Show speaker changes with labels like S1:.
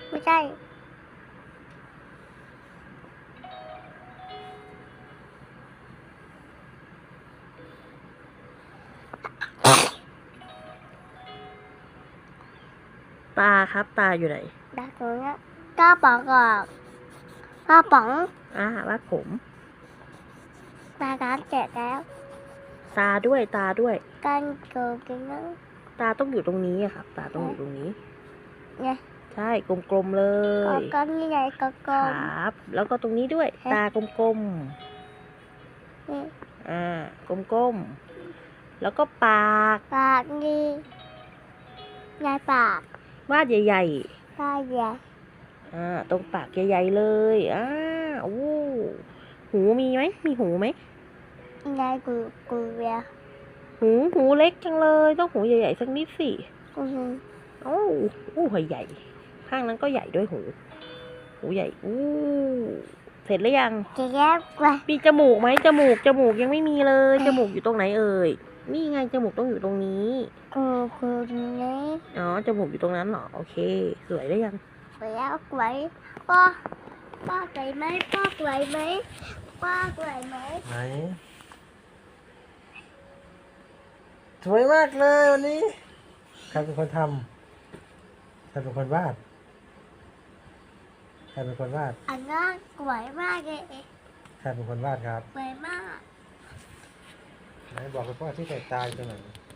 S1: ไม่ใช่
S2: ตาครับตาอยู่ไหน
S1: ดักตรงนี้กระป๋องกับกระป๋อง
S2: วาดผม
S1: ตาการเสร็จแล้ว
S2: ตาด้วยตาด้วย
S1: กันเกิดกันแล้ว
S2: ตาต้องอยู่ตรงนี้อะครับ ตาต้องอยู่ตรงนี้
S1: เนี่ย
S2: ใช่กลมๆเล
S1: ก็
S2: ย
S1: กันนี่ไงก็กล
S2: ค
S1: ม
S2: รับ แล้วก็ตรงนี้ด้วย ตากลม
S1: นี่
S2: ๆกลมๆแล้วก็ปาก
S1: ปากนี่ยายปาก
S2: วาดใหญ่
S1: ปากใหญ่
S2: ๆตรงปากใหญ่ๆเลยโอ้หูมีไหมมีหูไหม
S1: ยายกูเวีย
S2: หูเล็กจังเลยต้องหูใหญ่ๆสักนิดสิ
S1: อือหือ
S2: โอ้หูใหญ่ข้างนั้นก็ใหญ่ด้วยหูใหญ่เสร็จหรือยัง
S1: จะแยกไป
S2: มีจมูกไหมจมูกยังไม่มีเลยจมูกอยู่ตรงไหนเอ่ยนี่ไงจมูกต้องอยู่ตรงนี้
S1: กูนี้
S2: อ๋อจมูกอยู่ตรงนั้นเหรอโอเคสวยหรือยัง
S1: ไปแล้วไหวป้าไหวไหมป้าไหวไหมป้าไหวไหม
S3: ไหนสวยมากเลยวันนี้ใครเป็นคนทำใครเป็นคนวาดใครเป็นคนวาด
S1: อันนั้นไหวมากเลย
S3: ใครเป็นคนวาดครับ
S1: ไหวมาก
S3: ไหนบอกกับพ่อที่ใส่ตาอยู่ตรงไหน